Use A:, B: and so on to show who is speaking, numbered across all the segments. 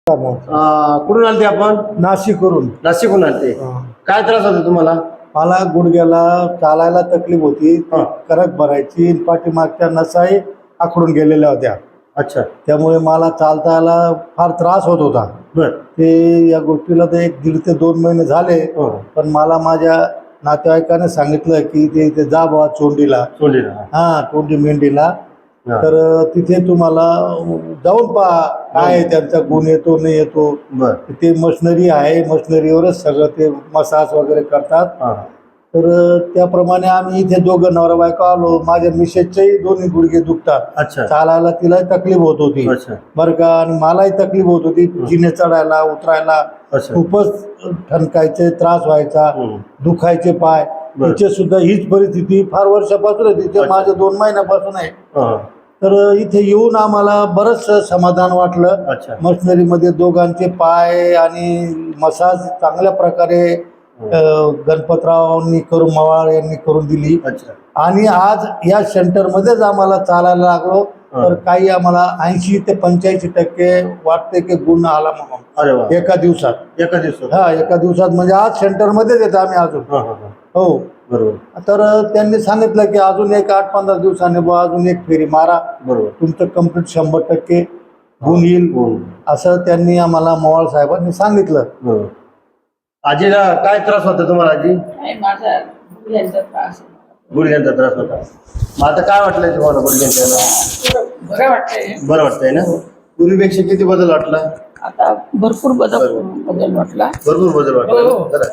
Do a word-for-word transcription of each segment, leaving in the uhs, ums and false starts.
A: कुठून आलते आपण?
B: नाशिकवरून.
A: नाशिकहून आलते. काय त्रास होता तुम्हाला?
B: मला गुडघ्याला चालायला तकलीफ होती,
A: हा.
B: करक भरायची, पाठीमागच्या नसाही आखडून गेलेल्या होत्या.
A: अच्छा.
B: त्यामुळे मला चालता यायला फार त्रास होत होता.
A: बर.
B: ते या गोष्टीला तर एक दीड ते दोन महिने झाले.
A: हो.
B: पण मला माझ्या नातेवाईकाने सांगितलं की ते इथे जा बाबा चोंडीला.
A: चोंडीला.
B: हा, चोंडी मेंढीला.
A: हा.
B: तर तिथे तुम्हाला जाऊन पहा काय त्यांचा गुण येतो नाही येतो.
A: बर.
B: ते मशिनरी आहे, मशिनरीवरच सगळं ते मसाज वगैरे करतात.
A: हा.
B: तर त्याप्रमाणे आम्ही इथे दोघं नवरा बायको आलो. माझ्या मिसेसचेही दोन्ही गुडघे दुखतात.
A: अच्छा.
B: चालायला तिलाही तकलीफ होत होती.
A: अच्छा.
B: बरं का. आणि मलाही तकलीफ होत होती जिने चढायला उतरायला.
A: अच्छा.
B: खूपच ठणकायचे, त्रास व्हायचा,
A: हम्म.
B: दुखायचे पाय.
A: बरं.
B: तिचे सुद्धा हीच परिस्थिती फार वर्षापासून आहे. तिथे
A: अच्छा.
B: माझं दोन महिन्यापासून आहे.
A: हा.
B: तर इथे येऊन आम्हाला बरंच समाधान वाटलं.
A: अच्छा.
B: मशिनरीमध्ये दोघांचे पाय आणि मसाज चांगल्या प्रकारे अ, गणपतरावांनी करून मवाळ यांनी करून दिली.
A: अच्छा.
B: आणि आज या सेंटरमध्येच आम्हाला चालायला लागलो. तर काही आम्हाला ऐंशी ते पंच्याऐंशी टक्के वाटते की गुण आला म्हणून.
A: अरे वा.
B: एका दिवसात.
A: एका दिवसात.
B: हा, एका दिवसात म्हणजे आज सेंटरमध्येच येतो आम्ही अजून.
A: हा, हा, हा.
B: हो.
A: बरोबर.
B: तर त्यांनी सांगितलं की अजून एक आठ पंधरा दिवसांनी बुवा अजून एक फेरी मारा,
A: बरोबर.
B: तुमचं कम्प्लीट शंभर टक्के गुण येईल,
A: गुण.
B: असं त्यांनी आम्हाला मवाळ साहेबांनी सांगितलं.
A: बरोबर. आजीला काय त्रास होता तुम्हाला? आजी
C: नाही, माझा गुडघ्यांचा त्रास आहे.
A: गुडघ्यांचा त्रास होता. मग आता काय वाटलंय तुम्हाला गुडघ्यांच्या?
C: बरं वाटतंय.
A: बरं वाटतंय ना? पूर्वीपेक्षा किती बदल वाटला?
C: आता भरपूर बदल बदल वाटला.
A: भरपूर बदल वाटला.
C: हो.
A: जरा.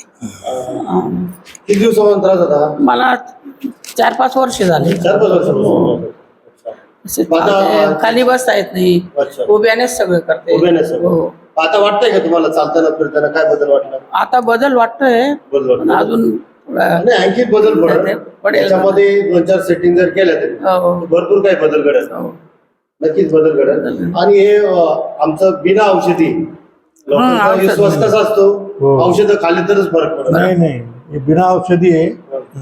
C: अं,
A: किती दिवसापासून त्रास होता?
C: मला चार पाच वर्ष झाले.
A: चार पाच वर्षापासून.
C: असे
A: आता-
C: चालते, खाली बसता येत नाही,
A: अच्छा.
C: उभ्यानेच सगळं करते.
A: उभ्याने सगळं.
C: हो.
A: आता वाटतंय का तुम्हाला चालताना फिरताना काय बदल वाटला?
C: आता बदल वाटतोय,
A: बदल
C: पण
A: वाटला.
C: अजून थोडा-
A: नाही, आणखी बदल
C: नाही,
A: पडेल.
C: पडेल.
A: त्याच्यामध्ये दोन चार सेटिंग जर केल्या तरी
C: हो,
A: भरपूर काही बदल घडेल.
C: हो.
A: नक्कीच बदल घडेल. आणि हे अं, आमचं बिना औषधी लोकांचा
C: औषध
A: विश्वास
C: नाही.
A: कसा असतो?
B: हो.
A: औषधं खाल्ली तरच फरक पडतो.
B: नाही नाही, हे बिना औषधी आहे.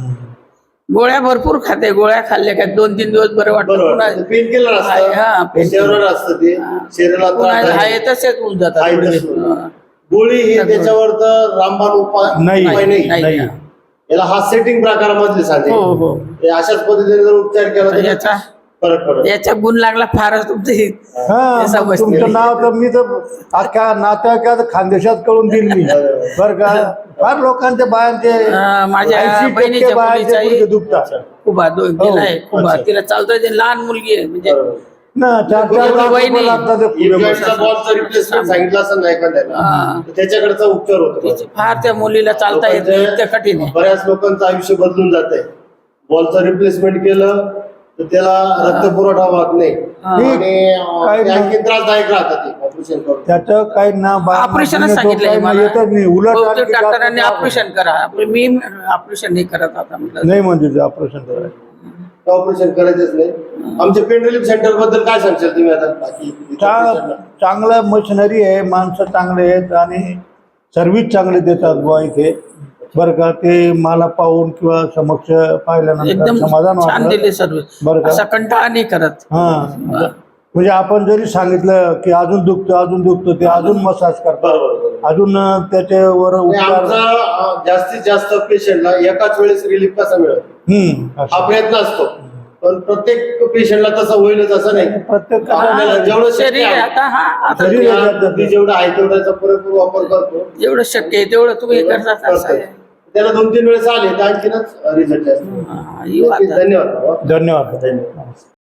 C: गोळ्या भरपूर खाते. गोळ्या खाल्ल्या का दोन तीन दिवस बरं वाटतं.
A: बरोबर.
C: पुन्हा-
A: पेन किलर
C: हा,
A: असतं,
C: pain killer.
A: शरीरावर असतं ते, शरीराला
C: पुन्हा
A: त्रास
C: हाय
A: आहे.
C: तसेच होऊन जातात.
A: हाय
C: थोडे.
A: तसं.
C: हा.
A: गोळी ही त्याच्यावर तर रामबाण उपाय
B: नाही.
A: उपाय नाही.
C: नाही.
B: नाही.
A: याला हा सेटिंग प्रकारामधले सांगते.
C: हो, हो.
A: हे अशाच पद्धतीने जर उपचार केला तर
C: याचा
A: फरक पडेल.
C: याचा गुण लागला फारच तुमची.
B: हा,
C: हे समजते.
B: तुमचं नाव तर मी तर अख्ख्या नात्याच्या खानदेशात कळून देईल मी. बरं का. फार लोकांच्या बायांचे
C: अं, माझ्या
B: ऐंशी टक्के
C: बहिणीच्या
B: बायांचे
C: मुलीचाही
B: गुडघे दुखतात.
C: खूप दोन
B: हो.
C: गेलाय खूप.
A: अच्छा.
C: तिला चालतोय, ते लहान मुलगी आहे म्हणजे.
A: बरोबर.
B: ना चार चार
C: एवढं
B: लाख
C: वय
B: रुपये
C: नाही.
B: लागतात ते पुढे
A: इन्फ्लुएन्झा
B: बसायला.
A: बॉलचा रिप्लेसमेंट सांगितलं असं नाही एखाद्याला
C: हा.
A: तर त्याच्याकडचा उपचार होतो.
C: तिची फार त्या मुलीला चालता येत नाही, इतकं कठीण आहे.
A: बऱ्याच लोकांचं आयुष्य बदलून जात आहे. बॉलचं रिप्लेसमेंट केलं तर त्याला रक्त पुरवठा होत नाही
C: हा.
A: आणि
B: काय
A: अं, ते
B: नाही.
A: आणखी त्रासदायक राहतात ते ऑपरेशन करून.
B: त्याचं काही ना बायांना
C: ऑपरेशनच
B: गुण येतो,
C: सांगितलंय
B: काही
C: मला.
B: येतच नाही. उलट
C: बहुतेक
B: आणखी जास्त
C: डॉक्टरांनी
B: त्रास होतो.
C: ऑपरेशन करा. मी ऑपरेशन नाही करत आता म्हटलं.
B: नाही म्हणजे ऑपरेशन करायचं.
A: ऑपरेशन करायचंच नाही. आमच्या पेन रिलीफ सेंटर बद्दल काय सांगशाल तुम्ही आता? बाकी
B: चा- चांगलं मशिनरी आहे, माणसं चांगले आहेत आणि सर्व्हिस चांगली देतात बुवा इथे. बरं का. ते मला पाहून किंवा समक्ष पाहिल्यानंतर
C: एकदम
B: समाधान
C: छान
B: वाटलं.
C: दिली सर्व्हिस.
B: बरं का.
C: असा कंटाळा नाही करत.
B: हा, म्हणजे आपण जरी सांगितलं की अजून दुखतो अजून दुखतो ते अजून मसाज करतात,
A: बरोबर.
B: अजून त्याच्यावर
A: आणि
B: उपचार.
A: आमचा अं, जास्तीत जास्त पेशंटला एकाच वेळेस रिलीफ कसा मिळेल
B: हम्म,
A: हा
B: असं.
A: प्रयत्न असतो. पण प्रत्येक पेशंटला तसं होईलच असं नाही.
B: प्रत्येक
A: आपल्याला जेवढं शक्य
C: शरीर आहे
A: आहे
C: आता. हा आता
B: शरीर आहे.
A: या बुद्धी जेवढं आहे तेवढ्याचा पुरेपूर वापर करतो.
C: जेवढं शक्य आहे तेवढं तुम्ही करतात असं आहे.
A: त्याला दोन तीन वेळेस आले तर आणखीनच रिझल्ट जास्त.
C: हा, येऊ
A: नक्कीच.
C: आता.
A: धन्यवाद.
B: धन्यवाद.
A: धन्यवाद.